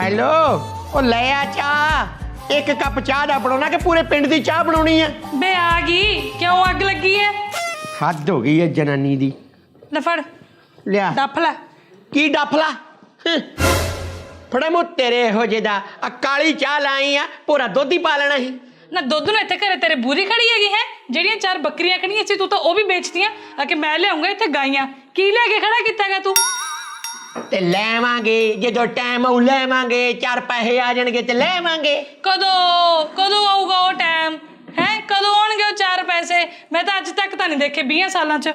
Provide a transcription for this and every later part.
Hello ओ ले आ चाह एक कप चाह दा बनाना कि पूरे पिंड दी चाह बनानी है बे आ गई क्यों अग लगी है हद हो गई है जनानी दी ले फड़ लिया डफ ला की डफला फड़ा मु तेरे हो जेदा आ काली चाह लाई आ पूरा दुध ही पा लेना ही ना दुध ਨੂੰ ਇੱਥੇ ਘਰੇ ਤੇਰੇ ਬੂਰੀ ਖੜੀ ਹੈਗੀ ਹੈ ਜਿਹੜੀਆਂ ਚਾਰ ਬੱਕਰੀਆਂ ਖੜੀਆਂ ਸੀ ਤੂੰ ਤਾਂ ਉਹ ਵੀ ਵੇਚਦੀਆਂ ਆ ਕਿ ਮੈਂ ਲਿਆਉਂਗਾ ਇੱਥੇ ਗਾਈਆਂ ਕੀ ਲੈ ਕੇ ਖੜਾ ਕੀਤਾਗਾ ਤੂੰ ते लेवांगे जो टाइम आऊ लेवांगे चार पैसे आ जाएंगे ते लेवांगे ਕਦੋਂ ਕਦੋਂ ਆਊਗਾ ਉਹ ਟਾਈਮ ਹੈ ਕਦੋਂ ਆਉਣਗੇ ਉਹ ਚਾਰ ਪੈਸੇ ਮੈਂ ਤਾਂ ਅੱਜ ਤੱਕ ਤਾਂ ਨਹੀਂ ਦੇਖੇ 20 ਸਾਲਾਂ ਚ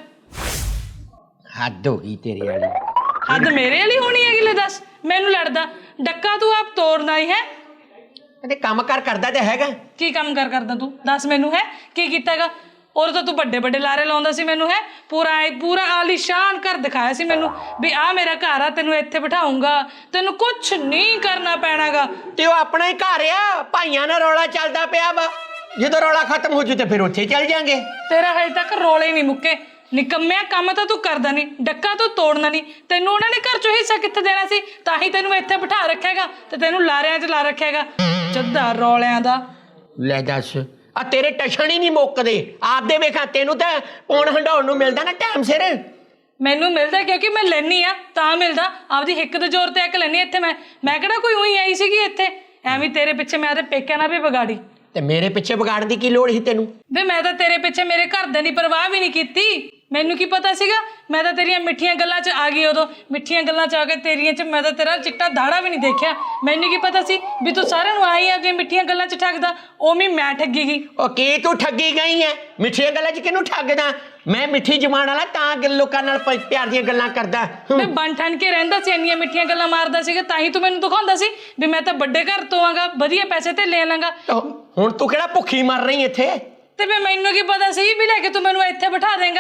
हद हो गई तेरे वाली ਹੱਦ ਮੇਰੇ ਵਾਲੀ ਹੋਣੀ ਹੈਗੀ ਲੈ ਦੱਸ ਮੈਨੂੰ ਲੜਦਾ ਡੱਕਾ ਤੂੰ ਆਪ ਤੋੜਨਾ ਹੀ ਹੈ ते काम कर करदा ते हैगा ਕੀ ਕੰਮ ਕਰਦਾ ਤੂੰ ਦੱਸ ਮੈਨੂੰ ਹੈ ਕੀ ਕੀਤਾਗਾ और तो तू बड़े बड़े लारे लाउंदा सी मैनू है पूरा आलीशान घर दिखाया सी मैनू भी आ मेरा घर आ तेनू इत्थे बिठाऊंगा तेनू कुछ नहीं करना पैणागा ते ओ अपना ही घर आ भाइयां नाल रौला चलदा पिया वा जदों रौला खत्म हो जू ते फिर उत्थे चल जाएंगे तेरा हजे तक रोले नहीं मुक्के निकम्मिया काम तो तू करदा नहीं डक्का तू तोड़ना नहीं तेनू उन्होंने घर चों हिस्सा कित्थे देना सी तां ही तेनू इत्थे बिठा रखेगा ते तेनू लारियां च ला रखेगा जद्दा रौलियां दा ले दस आ तेरे टशन ही नहीं मुकदे आपदे वेखा तेनू ते पौण हंडाउण नूं मिलदा ना टाइम सिर मैनू मिलता क्योंकि मैं लैनी आ तां मिलदा आपदी हिक दे जोर ते एक लैनी इत्थे मैं किहड़ा कोई उही आई सीगी इत्थे एवें तेरे पिछे मैं ते पेकिਆਂ ना भी बिगाड़ी ते मेरे पिछे बिगाड़न दी की लोड़ ही तेनू वे मैं तो तेरे पिछे मेरे घरदे दी परवाह भी नहीं कीती मैनू की पता सीगा मैं तो तेरियां मिठियां गल्लां च आ गई उदों मिठियां गल्लां च आके तेरियां च मैं तो तेरा चिट्टा दाड़ा भी नहीं देखिया मैनू की पता सी भी तू सारिਆਂ ਨੂੰ आई आ मिठियां गल्लां च ठगदा ओवें मैं ठगी गई ओ की तू ठगी गई है मिठियां गल्लां च किनू ठगदा मैं मिठी जमान वाला तां लोकां नाल प्यार ਦੀਆਂ ਗੱਲਾਂ ਕਰਦਾ मैं बन ठन के रहंदा सी ਇੰਨੀਆਂ ਮਿੱਠੀਆਂ ਗੱਲਾਂ ਮਾਰਦਾ ਸੀਗਾ ਤਾਂ ਹੀ ਤੂੰ ਮੈਨੂੰ ਦਿਖਾਉਂਦਾ ਸੀ ਵੀ ਮੈਂ ਤਾਂ ਵੱਡੇ ਘਰ ਤੋਂ ਆਂਗਾ ਵਧੀਆ ਪੈਸੇ ਤੇ ਲੈ ਲਾਂਗਾ ਹੁਣ ਤੂੰ ਕਿਹੜਾ ਭੁੱਖੀ ਮਰ ਰਹੀ ਇੱਥੇ ਤੇ ਮੈਨੂੰ ਕੀ ਪਤਾ ਸੀ ਵੀ ਲੈ ਕੇ ਤੂੰ ਮੈਨੂੰ ਇੱਥੇ ਬਿਠਾ ਦੇਂਗਾ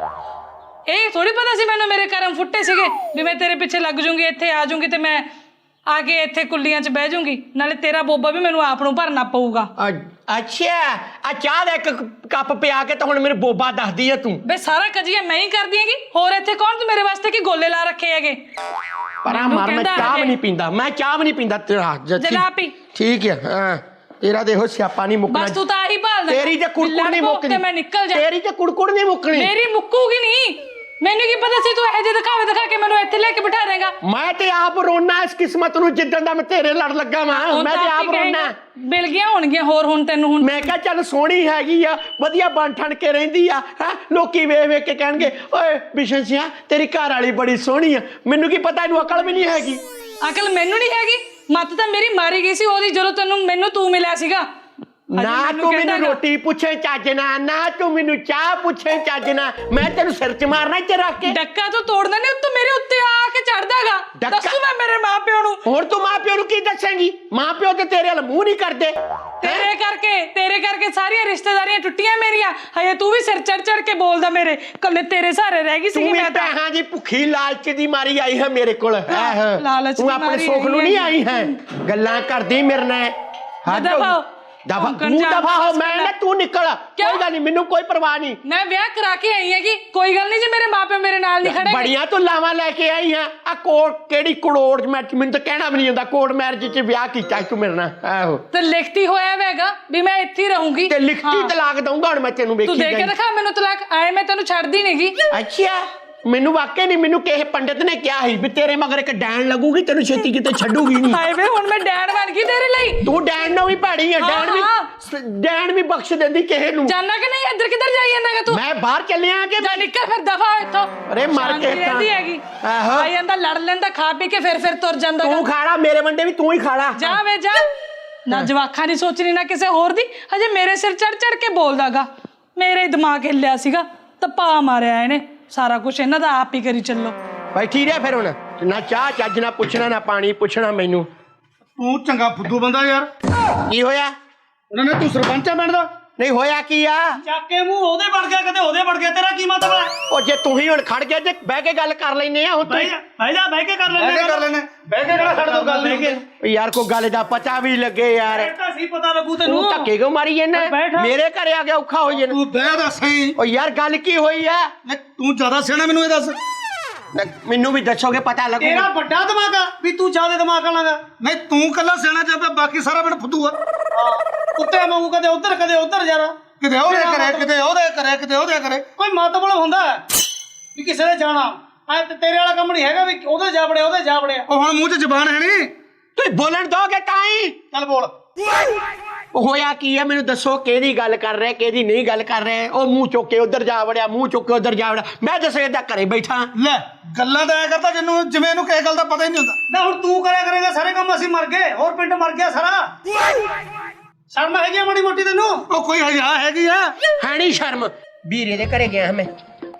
ਇਹ ਥੋੜੀ ਪਤਾ ਸੀ ਮੈਨੂੰ ਮੇਰੇ ਕਰਮ ਫੁੱਟੇ ਸੀਗੇ ਵੀ ਮੈਂ ਤੇਰੇ ਪਿੱਛੇ ਲੱਗ ਜੂੰਗੀ ਇੱਥੇ ਆ ਜੂੰਗੀ ਤੇ ਮੈਂ ਆ ਕੇ ਇੱਥੇ ਕੁੱਲੀਆਂ 'ਚ ਬਹਿ ਜੂੰਗੀ ਨਾਲੇ ਤੇਰਾ ਬੋਬਾ ਵੀ ਮੈਨੂੰ ਆਪ ਨੂੰ ਭਰਨਾ ਪਊਗਾ ਅੱਛਾ ਆ ਚਾਹ ਦਾ ਇੱਕ ਕੱਪ ਪਿਆ ਕੇ ਤਾਂ ਹੁਣ ਮੈਨੂੰ ਬੋਬਾ ਦੱਸਦੀ ਆ ਤੂੰ ਬੇ ਸਾਰਾ ਕਜੀਆ ਮੈਂ ਹੀ ਕਰਦੀ ਹੈਗੀ ਹੋਰ ਇੱਥੇ ਕੌਣ ਤੂੰ ਮੇਰੇ ਵਾਸਤੇ ਕੀ ਗੋਲੇ ਲਾ ਰੱਖੇ ਹੈਗੇ ਪਰਾਂ ਮਰ ਮੈਂ ਚਾਹ ਵੀ ਨਹੀਂ ਪੀਂਦਾ ਮੈਂ ਚਾਹ ਵੀ ਨਹੀਂ ਪੀਂਦਾ ਤੇਰਾ ਜਨਾਬੀ ਠੀਕ ਹੈ ਹਾਂ तेरा देखो स्यापा नहीं मुकना बस तू तो आही भाल तेरी ते कुड़कुड़ नहीं मुकनी मैं निकल जा तेरी ते कुड़कुड़ नहीं मुकनी मेरी मुक्कूगी नहीं मैनू की पता सी तू ऐ जे दिखा के मैनू इत्थे लेके बिठा देगा मैं ते आप रोना इस किस्मत नु जिद्दन दा मैं तेरे लड़ लगा मैं ते आप रोना मिल गया होणगियां होर हुण तैनू हुण मैं कहा चल सोहनी हैगी आ वधिया बन ठन के रहिंदी आ है लोकी वेख वेख के कहणगे ओए बिशन सिया तेरी घर वाली बड़ी सोहनी आ मैनू की पता इनू अकल भी नहीं हैगी अकल मैनू नहीं हैगी मत तो मेरी मारी गई सी ओदी जदों तैनू मैनू तू मिलिया सीगा ना तू मैनू रोटी पूछे चजना ना तू मैनू चाह पूछे चजना मैं तेनू सिर च मारना इत्थे रख के डक्का तो तोड़ना नहीं तू मेरे उत्ते आके चढ़दागा दस्सू मैं मेरे मां प्यो नू हुण तू मां प्यो नू की दसेंगी मां प्यो ते तेरे अल मुंह नहीं करदे तेरे करके सारी रिश्तेदारियां टुटियां मेरियां हजे तू भी सिर चढ़ के बोलदा मेरे कल्ले तेरे सहारे रह गई सी मैं तां हां जी भुखी लालच दी मारी आई है मेरे कोल लालच तू अपने सुख नू नहीं आई है गल्लां करदी मेरे नाल हद दफा दफा हो मैं ना तू निकल कोई गल नहीं मैनू कोई परवाह नहीं मैं ब्याह करा के आई है कि कोई गल नहीं जे मेरे मां प्यो मेरे नाल नहीं खड़े बड़ियां तू लावां लेके आई है आ कोड़ केड़ी करोड़ मैच मैनू तो कहना भी नहीं आंदा कोर्ट मैरिज च ब्याह कीता तू मेरे नाल आहो ते लिखती होया वेगा भी मैं इत्थे ही रहूंगी ते लिखती तलाक दूंगा हुण मैं तेनू वेखी तू दे के दिखा मैनू तलाक आए मैं तेनू छड्दी नहींगी अच्छा मैनू वाकई नहीं मैनू किसी पंडित ने क्या ही भी तेरे मगर एक डैन लगूगी तेनू छेती किते छड्डूगी नहीं हाय वे हुण मैं डैन बन गई तेरे ਲਈ तू डैन ना भी भैड़ी है डैन भी बख्श देंदी किसे नू जाना कि नहीं इधर किधर जाई जांदागा तू मैं बाहर चलिया के जा निकल फिर दफा इत्थों अरे मर के रहंदी हैगी आई जांदा लड़ लेंदा खा पी के फिर तुर जांदा तू खाड़ा मेरे वंडे भी तू ही खाड़ा जा वे जा ना जवाखा नहीं सोचनी ना किसे होर दी हजे मेरे सिर चढ़ के बोलदागा मेरे दिमाग हिल्लिया सीगा तप्पा मारिया इहने सारा कुछ इन्हां दा आप ही करी चलो बैठी रह फिर हुण ना चाह चज ना पुछना ना पानी पुछना मैनू तू चंगा फुद्दू बंदा यार की होया उन्होंने तू सरपंच पिंड दा नहीं होया की आ चाके मुंह ओदे बड़ गया कदे ओदे बड़ गया तेरा की मतलब है ओ जे तू ही हुण खड़ गया जे बह के गल कर लैने आ हुण तू भाई जा बह के कर लेने बह के केड़ा खड़ दो गल बह के यार को गल दा पता भी लगे यार ਤਾਂ ਸੀ ਪਤਾ ਲੱਗੂ तू ਤੈਨੂੰ धक्के क्यों मारी जाना मेरे घरे आ गया औखा हो जाना ਤੂੰ ਬਹਿ ਦਾ ਸਹੀ ओ यार गल की होई है ਤੂੰ ਜ਼ਿਆਦਾ ਸਿਆਣਾ ਮੈਨੂੰ ਇਹ ਦੱਸ ਮੈਨੂੰ ਵੀ ਦੱਸੋਗੇ ਪਤਾ ਲੱਗੂ। ਤੇਰਾ ਵੱਡਾ ਦਿਮਾਗ ਆ ਵੀ ਤੂੰ ਜ਼ਿਆਦਾ ਦਿਮਾਗ ਵਾਲਾਂਗਾ। ਨਹੀਂ ਤੂੰ ਕੱਲਾ ਸਿਆਣਾ ਚਾਹੇ ਬਾਕੀ ਸਾਰਾ ਪਿੰਡ ਫੁੱਦੂ ਆ। ਕੁੱਤੇ ਵਾਂਗੂ ਕਦੇ ਉੱਧਰ ਜਾਣਾ, ਕਿਤੇ ਉਹਦੇ ਕਰੇ ਕਿਤੇ ਉਹਦੇ ਕਰੇ ਕਿਤੇ ਉਹਦੇ ਕਰੇ। ਕੋਈ ਮਤਲਬ ਹੁੰਦਾ ਵੀ ਕਿਸੇ ਦੇ ਜਾਣਾ। ਐ ਤੇ ਤੇਰੇ ਵਾਲਾ ਕੰਮ ਨਹੀਂ ਹੈਗਾ ਵੀ ਉਹਦੇ ਜਾ ਵੜਿਆ। ਉਹ ਹੁਣ ਮੂੰਹ 'ਚ ਜ਼ਬਾਨ ਹੈ ਨਹੀਂ। ਤੁਸੀਂ ਬੋਲਣ ਦੋਗੇ ਤਾਂ ਹੀ। ਚੱਲ ਬੋਲ। ਹੋਇਆ ਕੀ ਹੈ ਮੈਨੂੰ ਦੱਸੋ, ਕਿਹਦੀ ਗੱਲ ਕਰ ਰਹੇ ਕਿਹਦੀ ਨਹੀਂ ਗੱਲ ਕਰ ਰਹੇ। ਉਹ ਮੂੰਹ ਚੁੱਕ ਕੇ ਉਧਰ ਜਾ ਵੜਿਆ, ਮੂੰਹ ਚੁੱਕ ਕੇ ਉਧਰ ਜਾ ਵੜਿਆ। ਮੈਂ ਦੱਸੋ ਏਦਾਂ ਘਰੇ ਬੈਠਾ ਲੈ ਗੱਲਾਂ ਤਾਂ ਐ ਕਰਦਾ ਜਿਵੇਂ ਇਹਨੂੰ ਕਿਸੇ ਗੱਲ ਦਾ ਪਤਾ ਹੀ ਨਹੀਂ ਹੁੰਦਾ। ਨਾ ਹੁਣ ਤੂੰ ਕਰਿਆ ਕਰੇਗਾ ਸਾਰੇ ਕੰਮ, ਅਸੀਂ ਮਰ ਗਏ, ਹੋਰ ਪਿੰਡ ਮਰ ਗਿਆ ਸਾਰਾ। ਸ਼ਰਮ ਹੈਗੀ ਆ ਮਾੜੀ ਮੋਟੀ ਤੈਨੂੰ? ਉਹ ਕੋਈ ਹਜਾ ਹੈਗੀ ਆ? ਹੈ ਨਹੀਂ ਸ਼ਰਮ। ਵੀਰੇ ਦੇ ਘਰੇ ਗਿਆ ਮੈਂ,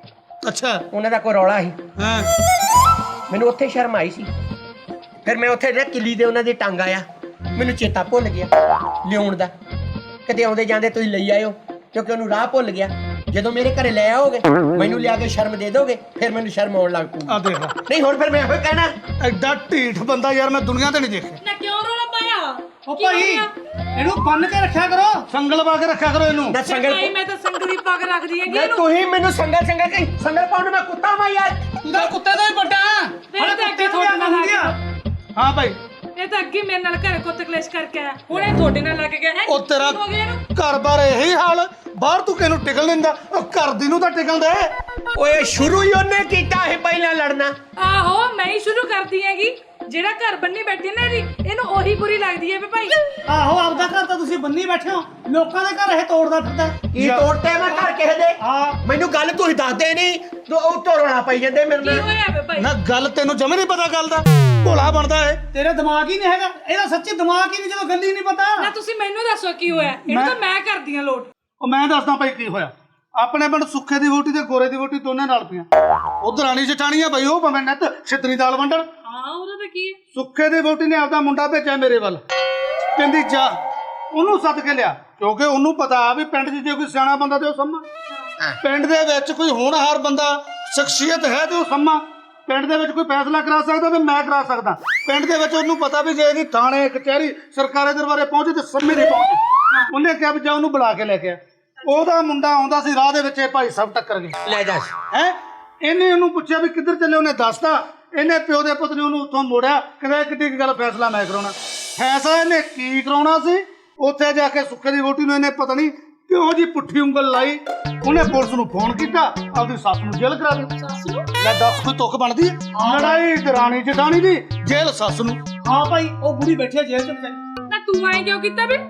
ਅੱਛਾ ਉਹਨਾਂ ਦਾ ਕੋਈ ਰੌਲਾ ਸੀ, ਹਾਂ ਮੈਨੂੰ ਉੱਥੇ ਸ਼ਰਮ ਆਈ ਸੀ। ਫਿਰ ਮੈਂ ਉੱਥੇ ਜਿਹੜਾ ਕਿੱਲੀ ਦੇ ਉਹਨਾਂ ਦੀ ਟੰਗ ਆਇਆ, ਮੈਨੂੰ ਚੇਤਾ ਭੁੱਲ ਗਿਆ ਲਿਆਉਣ ਦਾ। ਕਦੇ ਆਉਂਦੇ ਜਾਂਦੇ ਤੁਸੀਂ ਲਈ ਆਇਓ, ਕਿਉਂਕਿ ਉਹਨੂੰ ਰਾਹ ਭੁੱਲ ਗਿਆ। ਜਦੋਂ ਮੇਰੇ ਘਰੇ ਲੈ ਆਓਗੇ ਮੈਨੂੰ ਲਿਆ ਕੇ ਸ਼ਰਮ ਦੇ ਦੋਗੇ, ਫਿਰ ਮੈਨੂੰ ਸ਼ਰਮ ਆਉਣ ਲੱਗ ਪਊ। ਆ ਦੇਖ ਲੈ, ਨਹੀਂ ਹੁਣ ਫਿਰ ਮੈਂ ਇਹੋ ਕਹਿਣਾ, ਐਡਾ ਢੀਠ ਬੰਦਾ ਯਾਰ ਮੈਂ ਦੁਨੀਆ ਤੇ ਨਹੀਂ ਦੇਖਿਆ। ਨਾ ਕਿਉਂ ਰੋਲਾ ਪਾਇਆ? ਉਹ ਭਾਈ ਇਹਨੂੰ ਬੰਨ ਕੇ ਰੱਖਿਆ ਕਰੋ, ਸੰਗਲ ਪਾ ਕੇ ਰੱਖਿਆ ਕਰੋ ਇਹਨੂੰ। ਨਾ ਸੰਗਲ ਭਾਈ ਮੈਂ ਤਾਂ ਸੰਗਲੀ ਪੱਗ ਰੱਖਦੀ ਹੈਗੀ ਨਾ ਇਹਨੂੰ। ਤੁਸੀਂ ਮੈਨੂੰ ਸੰਗਲ ਕਹੀ, ਸੰਗਲ ਪਾਉਣ ਨੂੰ ਮੈਂ ਕੁੱਤਾ ਵਾਂ ਯਾਰ। ਤੂੰ ਤਾਂ ਕੁੱਤੇ ਤੋਂ ਹੀ ਵੱਡਾ। ਮੇਰੇ ਤਾਂ ਅੱਗੇ ਤੁਹਾਡੇ ਨਾਲ ਲੱਗ ਗਿਆ। ਹਾਂ ਭਾਈ ਇਹ ਤਾਂ ਅੱਗੇ ਮੇਰੇ ਨਾਲ ਘਰੇ ਕੁੱਤ ਕਲੇਸ਼ ਕਰਕੇ ਆਇਆ, ਹੁਣ ਇਹ ਤੁਹਾਡੇ ਨਾਲ ਲੱਗ ਗਿਆ ਹੈ। ਉਹ ਤੇਰਾ ਹੋ ਗਿਆ ਇਹਨੂੰ। ਘਰ-ਬਾਰ ਇਹੀ ਹਾਲ, ਬਾਹਰ ਤੂੰ ਕਿਹਨੂੰ ਟਿਕਣ ਦਿੰਦਾ? ਉਹ ਘਰ ਦੀ ਨੂੰ ਤਾਂ ਟਿਕਣ ਦੇ। ਓਏ ਸ਼ੁਰੂ ਹੀ ਉਹਨੇ ਕੀਤਾ ਇਹ ਪਹਿਲਾਂ ਲੜਨਾ। ਆਹੋ ਮੈਂ ਹੀ ਸ਼ੁਰੂ ਕਰਦੀ ਹੈਗੀ। ਜਿਹੜਾ ਘਰ ਬੰਨੀ ਬੈਠੀ ਨਾ ਇਹਨੂੰ ਉਹੀ ਬੁਰੀ ਲੱਗਦੀ ਹੈ ਵੀ ਭਾਈ। ਆਹੋ ਆਪਦਾ ਘਰ ਤਾਂ ਤੁਸੀਂ ਬੰਨੀ ਬੈਠੇ ਹੋ, ਲੋਕਾਂ ਦੇ ਘਰ ਇਹ ਤੋੜਦਾ ਫਿਰਦਾ। ਕੀ ਤੋੜਤੇ ਮੈਂ ਘਰ ਕਿਸੇ ਦੇ? ਹਾਂ ਮੈਨੂੰ ਗੱਲ ਤੁਸੀਂ ਦੱਸਦੇ ਨਹੀਂ, ਉਹ ਤੋੜਨਾ ਪਈ ਜਾਂਦੇ ਮੇਰੇ ਕੀ ਨਾਲ। ਹੋਇਆ ਵੇ ਭਾਈ? ਨਾ ਗੱਲ ਤੈਨੂੰ ਜਮੇ ਨਹੀਂ ਪਤਾ ਗੱਲ ਦਾ, ਭੋਲਾ ਬਣਦਾ ਏ। ਤੇਰਾ ਦਿਮਾਗ ਹੀ ਨਹੀਂ ਹੈਗਾ, ਇਹਦਾ ਸੱਚੀ ਦਿਮਾਗ ਹੀ ਨਹੀਂ, ਜਦੋਂ ਗੱਲ ਹੀ ਨਹੀਂ ਪਤਾ। ਨਾ ਤੁਸੀਂ ਮੈਨੂੰ ਦੱਸੋ ਕੀ ਹੋਇਆ? ਇਹਨੂੰ ਤਾਂ ਮੈਂ ਕਰਦੀ ਆ ਲੋਟ। ਉਹ ਮੈਂ ਦੱਸਦਾ ਭਾਈ ਕੀ ਹੋਇਆ। ਆਪਣੇ ਪਿੰਡ ਸੁੱਖੇ ਦੀ ਵੋਟੀ ਤੇ ਗੋਰੇ ਦੀ ਵੋਟੀ ਦੋਨੇ ਨਾਲ ਪਈਆਂ। ਉਧਰ ਰਾਣੀ ਜਠਾਣੀ ਆ ਭਾਈ, ਉਹ ਭਾਵੇਂ ਨੱਤ ਛਿੱਤਰੀ ਦਾਲ ਵੰਡਣ। ਹਾਂ ਉਹਦਾ ਤਾਂ ਕੀ ਹੈ? ਸੁੱਖੇ ਦੀ ਵੋਟੀ ਨੇ ਆਪਦਾ ਮੁੰਡਾ ਭੇਜਿਆ ਮੇਰੇ ਵੱਲ, ਕਹਿੰਦੀ ਜਾ ਉਹਨੂੰ ਸੱਦ ਕੇ ਲਿਆ, ਕਿਉਂਕਿ ਉਹਨੂੰ ਪਤਾ ਵੀ ਪਿੰਡ 'ਚ ਜੇ ਕੋਈ ਸਿਆਣਾ ਬੰਦਾ ਤੇ ਉਹ ਸੰਮਾ, ਪਿੰਡ ਦੇ ਵਿੱਚ ਕੋਈ ਹੋਣਹਾਰ ਬੰਦਾ ਸ਼ਖਸੀਅਤ ਹੈ ਤੇ ਉਹ ਸੰਮਾ। ਪਿੰਡ ਦੇ ਵਿੱਚ ਕੋਈ ਫੈਸਲਾ ਕਰਾ ਸਕਦਾ ਤੇ ਮੈਂ ਕਰਾ ਸਕਦਾ। ਪਿੰਡ ਦੇ ਵਿੱਚ ਉਹਨੂੰ ਪਤਾ ਵੀ ਜੇ ਇਹਦੀ ਥਾਣੇ ਕਚਹਿਰੀ ਸਰਕਾਰੀ ਦਰਬਾਰੇ ਪਹੁੰਚੇ ਤੇ ਸੰਮੇ ਨਹੀਂ ਪਹੁੰਚੇ। ਉਹਨੇ ਕਿਹਾ ਵੀ ਜਾ ਉਹਨੂੰ ਬੁਲਾ ਕੇ ਲੈ ਕੇ ਆ। ਉਹਦਾ ਮੁੰਡਾ ਆਉਂਦਾ ਸੀ, ਰਾਹ ਦੇ ਵਿੱਚ ਇਹ ਭਾਈ ਸਾਹਿਬ ਟੱਕਰ ਗਏ। ਲੈ ਦੱਸ। ਹੈ ਇਹਨੇ ਉਹਨੂੰ ਪੁੱਛਿਆ ਵੀ ਕਿੱਧਰ ਚੱਲੇ, ਉਹਨੇ ਦੱਸਤਾ। ਇਹਨੇ ਪਿਓ ਦੇ ਪੁੱਤ ਨੇ ਉਹਨੂੰ ਉੱਥੋਂ ਮੋੜਿਆ, ਕਹਿੰਦਾ ਕਿੱਡੀ ਗੱਲ ਫੈਸਲਾ ਮੈਂ ਕਰਾਉਣਾ। ਫੈਸਲਾ ਇਹਨੇ ਕੀ ਕਰਾਉਣਾ ਸੀ? ਉੱਥੇ ਜਾ ਕੇ ਸੁੱਖੇ ਦੀ ਵੋਟੀ ਨੂੰ ਇਹਨੇ ਪਤਾ ਨਹੀਂ ਕਿਹੋ ਜੀ ਪੁੱਠੀ ਉਂਗਲ ਲਾਈ। ਉਹਨੇ ਪੁਲਿਸ ਨੂੰ ਫੋਨ ਕੀਤਾ, ਆਪਦੀ ਸੱਸ ਨੂੰ ਜੇਲ੍ਹ ਕਰਾ ਦਿੱਤੀ। ਲੈ ਦੱਸ ਕੋਈ ਤੁੱਕ ਬਣਦੀ ਹੈ? ਲੜਾਈ ਦਰਾਣੀ ਜਠਾਣੀ ਦੀ, ਜੇਲ੍ਹ ਸੱਸ ਨੂੰ। ਹਾਂ ਭਾਈ ਉਹ ਬੁੜੀ ਬੈਠੀ ਹੈ ਜੇਲ੍ਹ 'ਚ ਵਿਚਾਰੀ। ਨਾ ਤੂੰ ਆਏ ਕਿਉਂ ਕੀਤਾ ਵੇ?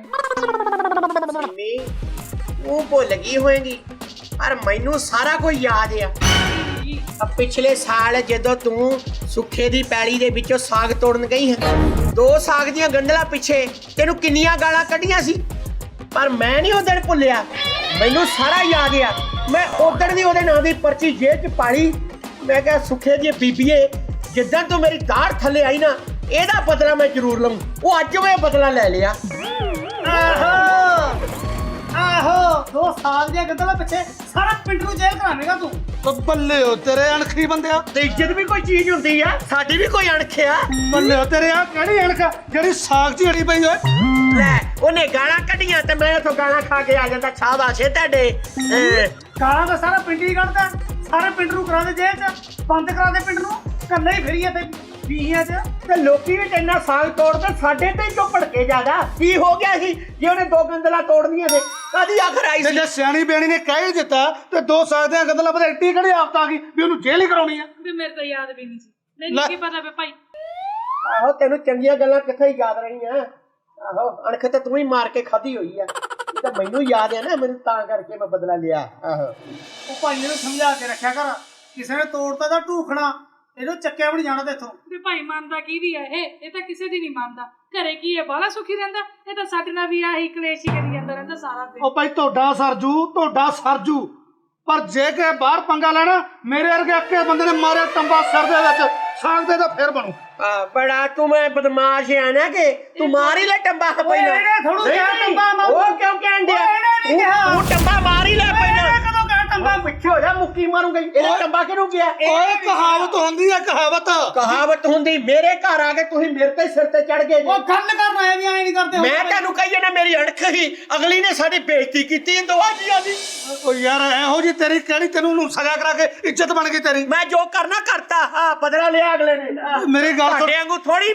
ਉਹ ਭੁੱਲ ਗਈ ਹੋਏਗੀ, ਪਰ ਮੈਨੂੰ ਸਾਰਾ ਕੁਝ ਯਾਦ ਆ। ਪਿਛਲੇ ਸਾਲ ਜਦੋਂ ਤੂੰ ਸੁੱਖੇ ਦੀ ਪੈਲੀ ਦੇ ਵਿੱਚੋਂ ਸਾਗ ਤੋੜਨ ਗਈ ਹੈ, 2 ਸਾਗ ਦੀਆਂ ਗੰਢਲਾਂ ਪਿੱਛੇ ਤੈਨੂੰ ਕਿੰਨੀਆਂ ਗਾਲਾਂ ਕੱਢੀਆਂ ਸੀ, ਪਰ ਮੈਂ ਨਹੀਂ ਉਹ ਦਿਨ ਭੁੱਲਿਆ। ਮੈਨੂੰ ਸਾਰਾ ਯਾਦ ਆ। ਮੈਂ ਉਦਣ ਦੀ ਉਹਦੇ ਨਾਂ ਦੀ ਪਰਚੀ ਜੇਬ 'ਚ ਪਾਲੀ। ਮੈਂ ਕਿਹਾ ਸੁੱਖੇ ਦੀ ਬੀਬੀਏ, ਜਿੱਦਾਂ ਤੂੰ ਮੇਰੀ ਦਾੜ ਥੱਲੇ ਆਈ ਨਾ, ਇਹਦਾ ਬਦਲਾ ਮੈਂ ਜ਼ਰੂਰ ਲਵਾਂ। ਉਹ ਅੱਜ ਮੈਂ ਬਦਲਾ ਲੈ ਲਿਆ। ਆਹੋ 2 ਸਾਲ ਦੀਆਂ ਗੱਲਾਂ ਪਿੱਛੇ ਸਾਰਾ ਪਿੰਡ ਨੂੰ ਜੇਲ੍ਹ ਕਰਾਵੇਂਗਾ ਤੂੰ। ਉਹ ਬੱਲੇ ਹੋ ਤੇਰੇ ਅਣਖੀ ਬੰਦਿਆ। ਤੇ ਇੱਜ਼ਤ ਵੀ ਕੋਈ ਚੀਜ਼ ਹੁੰਦੀ ਆ, ਸਾਡੀ ਵੀ ਕੋਈ ਅਣਖ ਆ। ਬੱਲੇ ਹੋ ਤੇਰੇ ਆ ਕਿਹੜੀ ਅਣਖ ਜਿਹੜੀ ਸਾਗ 'ਚ ਅੜੀ ਪਈ ਓਏ। ਲੈ ਉਹਨੇ ਗਾਲਾਂ ਕੱਢੀਆਂ ਤੇ ਮੈਂ ਇੱਥੋਂ ਗਾਲਾਂ ਖਾ ਕੇ ਆ ਜਾਂਦਾ। ਸ਼ਾਬਾਸ਼ ਏ ਤੁਹਾਡੇ। ਗਾਲਾਂ ਤਾਂ ਸਾਰਾ ਪਿੰਡ ਹੀ ਕੱਢਦਾ, ਸਾਰੇ ਪਿੰਡ ਨੂੰ ਕਰਾ ਦੇ ਜੇਲ੍ਹ 'ਚ, ਬੰਦ ਕਰਾ ਦੇ ਪਿੰਡ ਨੂੰ। ਕੱਲੇ ਹੀ ਫਿਰੀਏ ਤੇ ਬੀਹੀਆਂ 'ਚ। ਤੇ ਲੋਕੀ ਵੀ ਇੰਨਾ ਸਾਗ ਤੋੜਦੇ, ਸਾਡੇ ਤੇ ਕਿਉਂ ਭੜਕੇ ਜ਼ਿਆਦਾ? ਕੀ ਹੋ ਗਿਆ ਸੀ ਜੇ ਉਹਨੇ 2 ਗੰਦਲਾਂ ਤੋੜਨੀਆਂ ਸੀ? ਕਾਦੀ ਆਖਰ ਆਈ ਤੇ ਸੀ? ਜੇ ਸਿਆਣੀ ਬਿਆਣੀ ਨੇ ਕਹਿ ਹੀ ਦਿੱਤਾ ਤੇ 2 ਸਾਲ ਦੀਆਂ ਗੱਲਾਂ ਪਤਾ ਇੱਡੀ ਕਿਹੜੀ ਆਫਤ ਆ ਗਈ ਵੀ ਉਹਨੂੰ ਜੇਲ੍ਹ ਹੀ ਕਰਾਉਣੀ ਆ। ਵੀ ਮੇਰੇ ਤਾਂ ਯਾਦ ਵੀ ਨਹੀਂ ਸੀ। ਮੈਨੂੰ ਕੀ ਪਤਾ ਵੇ ਭਾਈ। ਆਹੋ ਤੈਨੂੰ ਚੰਗੀਆਂ ਗੱਲਾਂ ਕਿੱਥੇ ਹੀ ਯਾਦ ਰਹੀਆਂ। ਆਹੋ ਅਣਖ ਤੇ ਤੂੰ ਹੀ ਮਾਰ ਕੇ ਖਾਧੀ ਹੋਈ ਆ। ਇਹ ਤਾਂ ਮੈਨੂੰ ਯਾਦ ਆ ਨਾ, ਮੈਨੂੰ ਤਾਂ ਕਰਕੇ ਮੈਂ ਬਦਲਾ ਲਿਆ। ਆਹੋ ਉਹ ਭਾਈ ਨੂੰ ਸਮਝਾ ਕੇ ਰੱਖਿਆ ਕਰ, ਕਿਸੇ ਨੇ ਤੋੜਤਾ ਤਾਂ ਢੂਖਣਾ, ਇਹਨੂੰ ਚੱਕਿਆ ਵੀ ਨਹੀਂ ਜਾਣਾ ਤੇ ਇੱਥੋਂ। ਵੀ ਭਾਈ ਮੰਨਦਾ ਕਿਹਦੀ ਹੈ ਇਹ ਤਾਂ ਕਿਸੇ ਦੀ ਨਹੀਂ ਮੰਨਦਾ। ਘਰੇ ਕੀ ਹੈ ਬਾਲਾ ਸੁਖੀ ਰਹਿੰਦਾ, ਇਹ ਤਾਂ ਸਾਡੇ ਨਾਲ ਵੀ ਆਹੀ ਕਲੇਸ਼ ਹੀ ਕਰੀ ਜਾਂਦਾ ਰਹਿੰਦਾ ਸਾਰਾ ਦਿਨ। ਉਹ ਭਾਈ ਤੁਹਾਡਾ ਸਰਜੂ, ਪਰ ਜੇ ਕਿ ਬਾਹਰ ਪੰਗਾ ਲੈਣਾ, ਮੇਰੇ ਵਰਗੇ ਅੱਕੇ ਬੰਦੇ ਨੇ ਮਾਰਿਆ ਟੰਬਾ ਸਿਰ ਦੇ ਵਿੱਚ, ਸਾਗ ਦੇ ਤਾਂ ਫਿਰ ਬਣੂ। ਬੜਾ ਤੂੰ ਮੈਂ ਬਦਮਾਸ਼ ਆ ਨਾ ਕਿ ਤੂੰ ਮਾਰ ਹੀ ਲੈ ਟੰਬਾ ਪਹਿਲਾਂ। ਇਹਨੇ ਥੋੜੂ ਕਿਹਾ ਟੰਬਾ ਮਾਰੂ। ਉਹ ਕਿਉਂ ਕਹਿਣ ਡਿਆ? ਇਹਨੇ ਨਹੀਂ ਕਿਹਾ। ਤੂੰ ਟੰਬਾ ਮਾਰ ਹੀ ਲੈ ਪਹਿਲਾਂ। ਕਦੋਂ ਕਹਿ ਟੰਬਾ? ਪਿੱਛੇ ਹੋ ਜਾ, ਮੁੱਕੀ ਮਾਰੂ ਕਿਉਂ ਗਈ ਇਹਦਾ ਟੰਬਾ ਕਿਹਨੂੰ ਗਿਆ ਓਏ ਕਹਾਵਤ ਹੁੰਦੀ ਆ ਕਹਾਵਤ ਹੁੰਦੀ ਮੇਰੇ ਘਰ ਆ ਕੇ ਤੁਸੀਂ ਮੇਰੇ ਤੇ ਸਿਰ ਤੇ ਚੜ ਗਏ ਜੀ। ਉਹ ਗੱਲ ਕਰਨ ਆਏ ਵੀ ਐ ਨਹੀਂ ਕਰਦੇ ਮੈਂ ਤੁਹਾਨੂੰ ਕਹੀਏ ਨਾ ਮੇਰੀ ਅਣਖ ਹੀ ਅਗਲੀ ਨੇ ਸਾਡੀ ਬੇਇੱਜ਼ਤੀ ਕੀਤੀ ਦੋਵਾਂ ਜੀਆਂ ਦੀ। ਓ ਯਾਰ ਇਹੋ ਜੀ ਤੇਰੀ ਕਿਹੜੀ ਤੈਨੂੰ ਨੂੰ ਸਜ਼ਾ ਕਰਾ ਕੇ ਇੱਜ਼ਤ ਬਣ ਗਈ ਤੇਰੀ। ਮੈਂ ਜੋ ਕਰਨਾ ਕਰਤਾ ਹਾਂ ਬਦਲਾ ਲਿਆ ਅਗਲੇ ਨੇ। ਮੇਰੀ ਗੱਲ ਸੁਣ। ਤੁਹਾਡੇ ਵਾਂਗੂ ਥੋੜੀ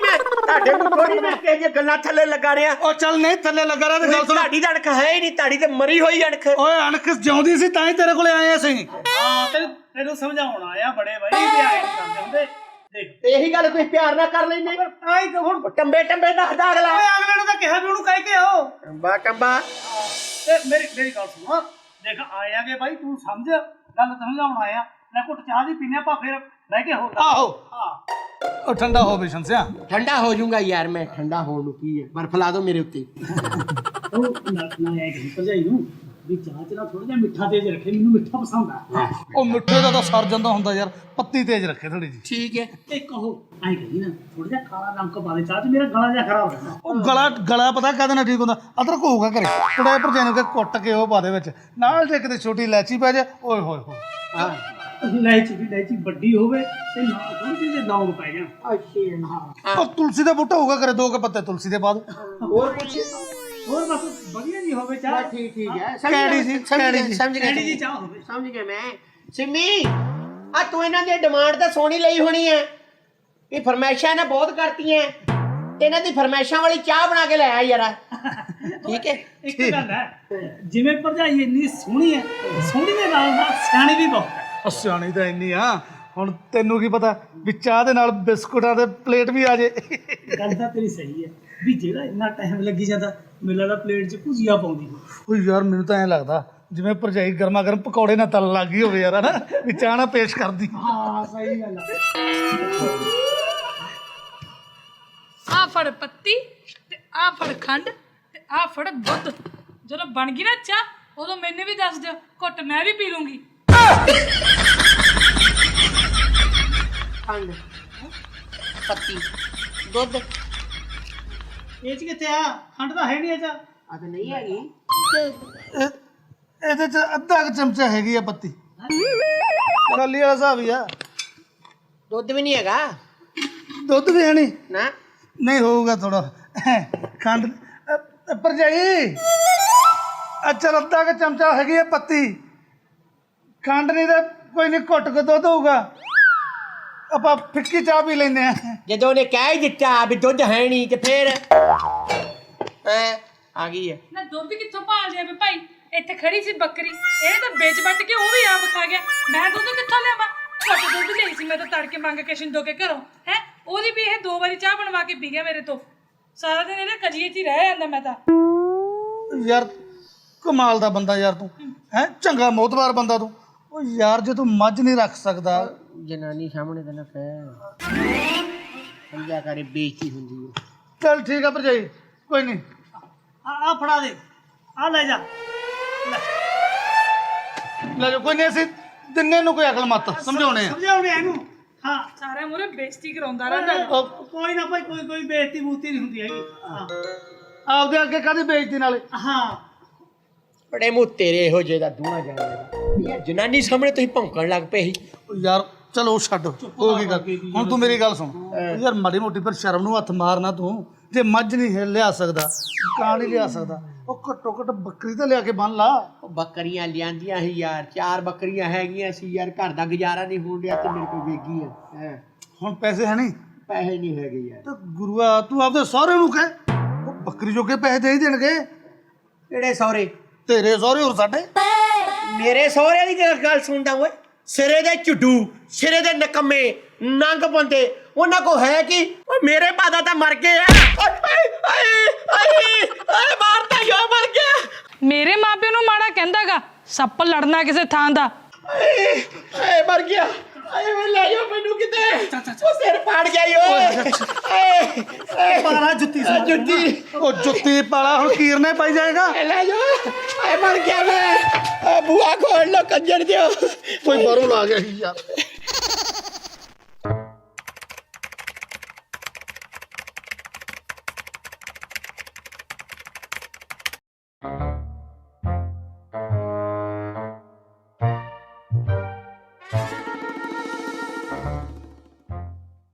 ਮੈਂ ਕਿ ਜੇ ਗੱਲਾਂ ਥੱਲੇ ਲੱਗਾ ਰਿਹਾ। ਓ ਚੱਲ ਨਹੀਂ ਥੱਲੇ ਲੱਗਾ ਰਿਹਾ ਤੇ ਗੱਲ ਸੁਣ। ਤੁਹਾਡੀ ਤਾਂ ਅਣਖ ਹੈ ਹੀ ਨਹੀਂ, ਤੁਹਾਡੀ ਤੇ ਮਰੀ ਹੋਈ ਅਣਖ। ਓਏ ਅਣਖ ਜਿਉਂਦੀ ਸੀ ਤਾਂ ਹੀ ਤੇਰੇ ਕੋਲੇ ਆਏ ਅਸੀਂ। ਹਾਂ ਤੈਨੂੰ ਸਮਝਾਉਣ ਆਇਆ ਬੜੇ ਬਾਈ ਵੀ ਆਏ ਨਹੀਂ ਕਰਦੇ ਹੁੰਦੇ ਦੇਖ ਤੇ ਇਹੀ ਗੱਲ ਤੁਸੀਂ ਪਿਆਰ ਨਾਲ ਕਰ ਲੈਂਦੇ। ਆਈ ਤਾਂ ਹੁਣ ਟੰਬੇ ਦੱਸਦਾ ਅਗਲਾ। ਓਏ ਅਗਲੇ ਨੂੰ ਤਾਂ ਕਿਹਾ ਵੀ ਉਹਨੂੰ ਕਹਿ ਕੇ ਆਓ ਟੰਬਾ ਤੇ ਮੇਰੀ ਗੱਲ ਸੁਣ ਦੇਖ ਆਇਆਗੇ ਬਾਈ ਤੂੰ ਸਮਝ ਗੱਲ ਸਮਝਾਉਣ ਆਇਆ ਲੈ ਘੁੱਟ ਚਾਹ ਦੀ ਪੀਨੇ ਆਪਾਂ ਫਿਰ ਬਹਿ ਕੇ ਹੋਰ ਆਹੋ ਹਾਂ ਉਹ ਠੰਡਾ ਹੋ ਬਿਸ਼ਨ ਸਿਆ। ਠੰਡਾ ਹੋ ਜਾਊਗਾ ਯਾਰ ਮੈਂ। ਠੰਡਾ ਹੋਣ ਨੂੰ ਕੀ ਹੈ, ਬਰਫ ਲਾ ਦਿਓ ਮੇਰੇ ਉੱਤੇ। ਉਹ ਨਾ ਆਇਆ ਕਿ ਭਜਾਈ ਨੂੰ ਵੀ ਚਾਹ ਚ ਨਾ ਥੋੜਾ ਜਿਹਾ ਮਿੱਠਾ ਤੇਜ਼ ਰੱਖੇ ਮੈਨੂੰ ਮਿੱਠਾ ਪਸੰਦ ਆ ਉਹ ਮਿੱਠੇ ਦਾ ਤਾਂ ਸਰ ਜਾਂਦਾ ਹੁੰਦਾ ਯਾਰ, ਪੱਤੀ ਤੇਜ਼ ਰੱਖੇ ਥੋੜੀ ਜੀ। ਠੀਕ ਹੈ। ਤੇ ਕਹੋ ਐਂ ਕਹੀ ਨਾ ਥੋੜਾ ਜਿਹਾ ਕਾਲਾ ਨਮਕ ਪਾ ਦੇ ਚਾਹ ਚ ਮੇਰਾ ਗਲਾ ਜਿਹਾ ਖਰਾਬ ਹੋ ਜਾਂਦਾ ਉਹ ਗਲਾ ਪਤਾ ਕਦੇ ਨਾ ਠੀਕ ਹੁੰਦਾ। ਅਦਰਕ ਹੋਊਗਾ ਘਰੇ ਥੋੜਾ ਭਰਜਾਈ ਨੂੰ ਕੁੱਟ ਕੇ ਉਹ ਪਾ ਦੇ ਵਿੱਚ ਨਾਲ ਜੇ ਕਿਤੇ ਛੋਟੀ ਇਲਾਚੀ ਪੈ ਜਾ ਓਏ ਹੋਏ ਹੋਏ। ਹਾਂ ਇਲਾਇਚੀ ਵੱਡੀ ਹੋਵੇ ਤੇ ਨਾਲ ਥੋੜੀ ਜਿਹੀ ਲੌਂਗ ਪੈ ਜਾਣ ਹਾਂ ਉਹ ਤੁਲਸੀ ਦਾ ਬੂਟਾ ਹੋਊਗਾ ਘਰੇ, 2 ਪੱਤੇ ਤੁਲਸੀ ਦੇ ਪਾ ਦੋ। ਹੋਰ ਕੁਝ ਹੋਰ ਬਸ ਵਧੀਆ ਜੀ ਹੋਵੇ ਚਾਹ ਠੀਕ ਹੈ। ਕੈੜੀ ਜੀ ਸਮਝ ਐਡੀ ਗਿਆ ਜੀ ਚਾਹ ਹੋਵੇ ਸਮਝ ਗਿਆ ਮੈਂ। ਸਿੰਮੀ ਆ ਤੂੰ ਇਹਨਾਂ ਦੀ ਡਿਮਾਂਡ ਤਾਂ ਸੋਹਣੀ ਲਈ ਹੋਣੀ ਹੈ। ਇਹ ਫਰਮਾਇਸ਼ਾਂ ਇਹਨਾਂ ਬਹੁਤ ਕਰਤੀਆਂ ਤੇ ਇਹਨਾਂ ਦੀ ਫਰਮਾਇਸ਼ਾਂ ਵਾਲੀ ਚਾਹ ਬਣਾ ਕੇ ਲੈ ਆ ਯਾਰ। ਠੀਕ ਹੈ। ਇੱਕ ਗੱਲ ਹੈ ਜਿਵੇਂ ਭਰਜਾਈ ਇੰਨੀ ਸੋਹਣੀ ਹੈ ਸੋਹਣੀ ਦੇ ਨਾਲ ਸਿਆਣੀ ਵੀ ਬਹੁਤ ਹੈ। ਸਿਆਣੀ ਤਾਂ ਇੰਨੀ ਆ, ਹੁਣ ਤੈਨੂੰ ਕੀ ਪਤਾ ਵੀ ਚਾਹ ਦੇ ਨਾਲ ਬਿਸਕੁਟਾਂ ਦੇ ਪਲੇਟ ਵੀ ਆ ਜੇ। ਗੱਲ ਤਾਂ ਤੇਰੀ ਸਹੀ ਹੈ ਵੀ ਜਿਹੜਾ ਇੰਨਾ ਟਾਈਮ ਲੱਗੀ ਜਾਂਦਾ ਮੈਨੂੰ ਲੱਗਦਾ ਪਲੇਟ 'ਚ ਭੁਜੀਆ ਪਾਉਂਦੀ ਓ ਯਾਰ ਮੈਨੂੰ ਤਾਂ ਐਂ ਲੱਗਦਾ ਜਿਵੇਂ ਭਰਜਾਈ ਗਰਮਾ ਗਰਮ ਪਕੌੜੇ ਨਾਲ ਤਲ ਲੱਗ ਗਈ ਹੋਵੇ ਯਾਰ, ਹਨਾ ਵੀ ਚਾਹ ਨਾਲ ਪੇਸ਼ ਕਰਦੀ। ਹਾਂ ਸਹੀ ਗੱਲ ਹੈ ਆ ਫੜ ਪੱਤੀ ਤੇ ਆ ਫੜ ਖੰਡ ਤੇ ਆ ਫੜ ਦੁੱਧ। ਜਦੋਂ ਬਣ ਗਈ ਨਾ ਚਾਹ ਉਦੋਂ ਮੈਨੂੰ ਵੀ ਦੱਸ ਦਿਓ, ਘੁੱਟ ਮੈਂ ਵੀ ਪੀ ਲੂੰਗੀ। ਖੰਡ ਪੱਤੀ ਦੁੱਧ ਇਹ 'ਚ ਕਿੱਥੇ ਆ ਖੰਡ ਤਾਂ ਹੈ ਨਹੀਂ ਇਹ 'ਚ ਆ ਤਾਂ ਨਹੀਂ ਹੈਗੀ। ਇਹਦੇ ਚ ਅੱਧਾ ਕੁ ਚਮਚਾ ਹੈਗੀ ਆ ਪੱਤੀ, ਖਾਲੀ ਵਾਲਾ ਹਿਸਾਬ ਹੀ ਆ। ਦੁੱਧ ਵੀ ਨਹੀਂ ਹੈਗਾ ਦੁੱਧ ਵੀ ਹੈ ਨਹੀਂ, ਨਾ। ਨਹੀਂ ਹੋਊਗਾ ਥੋੜਾ ਖੰਡ। ਭਰਜਾਈ ਅੱਛਾ ਅੱਧਾ ਕੁ ਚਮਚਾ ਹੈਗੀ ਆ ਪੱਤੀ, ਖੰਡ ਨਹੀਂ ਤਾਂ ਕੋਈ ਨਹੀਂ, ਘੁੱਟ ਕੇ ਦੁੱਧ ਹੋਊਗਾ। ਆਪਾਂ ਫਿੱਕੀ ਚਾਹ ਪੀ ਲੈਂਦੇ ਆ। ਜਦੋਂ ਉਹਨੇ ਕਹਿ ਹੀ ਦਿੱਤਾ ਵੀ ਦੁੱਧ ਹੈ ਨਹੀਂ ਤੇ ਫੇਰ ਆ ਗਈ ਹੈ। ਨਾ ਦੁੱਧ ਕਿੱਥੋਂ ਭਾਲ ਲਿਆ ਵੇ ਭਾਈ? ਇੱਥੇ ਖੜੀ ਸੀ ਬੱਕਰੀ, ਇਹ ਤਾਂ ਵੇਚ ਵੱਟ ਕੇ ਉਹ ਵੀ ਆਪ ਖਾ ਗਿਆ। ਮੈਂ ਦੁੱਧ ਕਿੱਥੋਂ ਲਿਆਵਾਂ? ਘੱਟ ਦੁੱਧ ਲਈ ਸੀ ਮੈਂ ਤਾਂ ਤੜਕੇ ਮੰਗ ਕੇ ਸ਼ਿੰਦੋ ਕੇ ਘਰੋਂ ਹੈ। ਉਹਦੀ ਵੀ ਇਹ 2 ਵਾਰੀ ਚਾਹ ਬਣਵਾ ਕੇ ਪੀ ਗਿਆ ਮੇਰੇ ਤੋਂ। ਸਾਰਾ ਦਿਨ ਇਹਦੇ ਕਜੀਏ 'ਚ ਹੀ ਰਹਿ ਜਾਂਦਾ ਮੈਂ ਤਾਂ। ਯਾਰ ਕਮਾਲ ਦਾ ਬੰਦਾ ਯਾਰ ਤੂੰ, ਹੈ ਚੰਗਾ ਮੋਤਬਾਰ ਬੰਦਾ ਤੂੰ। ਉਹ ਯਾਰ ਜੇ ਤੂੰ ਮੱਝ ਨਹੀਂ ਰੱਖ ਸਕਦਾ ਜਨਾਨੀ ਸਾਹਮਣੇ ਤਾਂ ਨਾ ਕਹਿ ਸਮਝਿਆ ਕਰੇ, ਬੇਇੱਜ਼ਤੀ ਹੁੰਦੀ ਹੈ। ਚੱਲ ਠੀਕ ਆ ਭਰਜਾਈ, ਕੋਈ ਨਹੀਂ। ਆ ਫੜਾ ਦੇ ਆ ਲੈ ਜਾ ਲੈ ਜਾ, ਕੋਈ ਨਹੀਂ, ਅਸੀਂ ਦਿਨੇ ਨੂੰ ਕੋਈ ਅਕਲ ਮਤ ਸਮਝਾਉਣੇ ਆ। ਸਮਝਾਉਣੇ ਆ ਇਹਨੂੰ ਹਾਂ ਸਾਰਿਆਂ ਮੂਹਰੇ ਬੇਇੱਜ਼ਤੀ ਕਰਾਉਂਦਾ ਰਹਿੰਦਾ। ਕੋਈ ਨਾ ਭਾਈ ਕੋਈ ਬੇਇੱਜ਼ਤੀ ਬੂਤੀ ਨਹੀਂ ਹੁੰਦੀ ਹੈਗੀ ਹਾਂ ਆਪਦੇ ਅੱਗੇ ਕਾਹਦੀ ਬੇਇੱਜ਼ਤੀ ਨਾਲੇ। ਹਾਂ ਬੜੇ ਮੂੰਹ ਤੇਰੇ ਇਹੋ ਜਿਹੇ ਦਾ ਦੂਣਾ ਜਾਣਦਾ। ਜਨਾਨੀ ਸਾਹਮਣੇ ਤੁਸੀਂ ਭੌਂਕਣ ਲੱਗ ਪਏ ਸੀ। ਉਹ ਯਾਰ ਚਲੋ ਛੱਡ, ਹੋ ਗਈ ਗੱਲ। ਹੁਣ ਤੂੰ ਮੇਰੀ ਗੱਲ ਸੁਣ ਯਾਰ, ਮਾੜੀ ਮੋਟੀ ਪਰ ਸ਼ਰਮ ਨੂੰ ਹੱਥ ਮਾਰਨਾ ਤੂੰ। ਜੇ ਮੱਝ ਨਹੀਂ ਲਿਆ ਸਕਦਾ, ਕਾਂ ਨਹੀਂ ਲਿਆ ਸਕਦਾ, ਉਹ ਘੱਟੋ ਘੱਟ ਬੱਕਰੀ ਤਾਂ ਲਿਆ ਕੇ ਬੰਨ ਲਾ। ਉਹ ਬੱਕਰੀਆਂ ਲਿਆਂਦੀਆਂ ਸੀ ਯਾਰ, 4 ਬੱਕਰੀਆਂ ਹੈਗੀਆਂ ਸੀ ਯਾਰ, ਘਰ ਦਾ ਗੁਜ਼ਾਰਾ ਨਹੀਂ ਹੋਣ ਡਿਆ ਤੇ ਮੇਰੇ ਕੋਲ ਵੇਗੀ ਹੈ। ਹੁਣ ਪੈਸੇ ਹੈ ਨਹੀਂ, ਪੈਸੇ ਨਹੀਂ ਹੈਗੇ ਯਾਰ। ਤੇ ਗੁਰੂਆ ਤੂੰ ਆਪਦੇ ਸਹੁਰੇ ਨੂੰ ਕਹਿ, ਉਹ ਬੱਕਰੀ ਜੋਗੇ ਪੈਸੇ ਦੇ ਹੀ ਦੇਣਗੇ। ਕਿਹੜੇ ਸਹੁਰੇ? ਤੇਰੇ ਸਹੁਰੇ ਹੋਰ ਸਾਡੇ। ਮੇਰੇ ਸਹੁਰੇ ਦੀ ਗੱਲ ਸੁਣਦਾ ਓਏ। ਸਿਰੇ ਦੇ ਝੁੱਡੂ, ਸਿਰੇ ਦੇ ਨਕਮੇ ਨੰਗ ਬੰਦੇ, ਉਹਨਾਂ ਕੋ ਹੈ ਕਿ ਓਏ ਮੇਰੇ ਪਾਦਾ ਤਾਂ ਮਰ ਗਏ ਆ। ਮਾਰਤਾ ਜੋ ਮਰ ਗਿਆ। ਮੇਰੇ ਮਾਪਿਆਂ ਨੂੰ ਮਾੜਾ ਕਹਿੰਦਾਗਾ, ਸੱਪ ਲੜਨਾ ਕਿਸੇ ਥਾਂ ਦਾ। ਮਰ ਗਿਆ। ਵੇ ਲੈ ਜਾਓ ਮੈਨੂੰ ਕਿਤੇ, ਉਹ ਸਿਰ ਪਾੜ ਗਿਆ ਓਏ। ਪਾਲਾ ਜੁੱਤੀ ਜੁੱਤੀ, ਉਹ ਜੁੱਤੀ ਪਾਲਾ ਹੁਣ ਕੀਰਨੇ ਪਾਈ ਜਾਏਗਾ। ਲੈ ਜਾਓ। ਮਰ ਗਿਆ ਮੈਂ। ਬੂਆ ਖੋਲ ਲੋ ਕੰਜਰ ਦਿਓ। ਕੋਈ ਬਾਹਰੋਂ ਲਾ ਗਿਆ ਸੀ ਯਾਰ। ਕਰ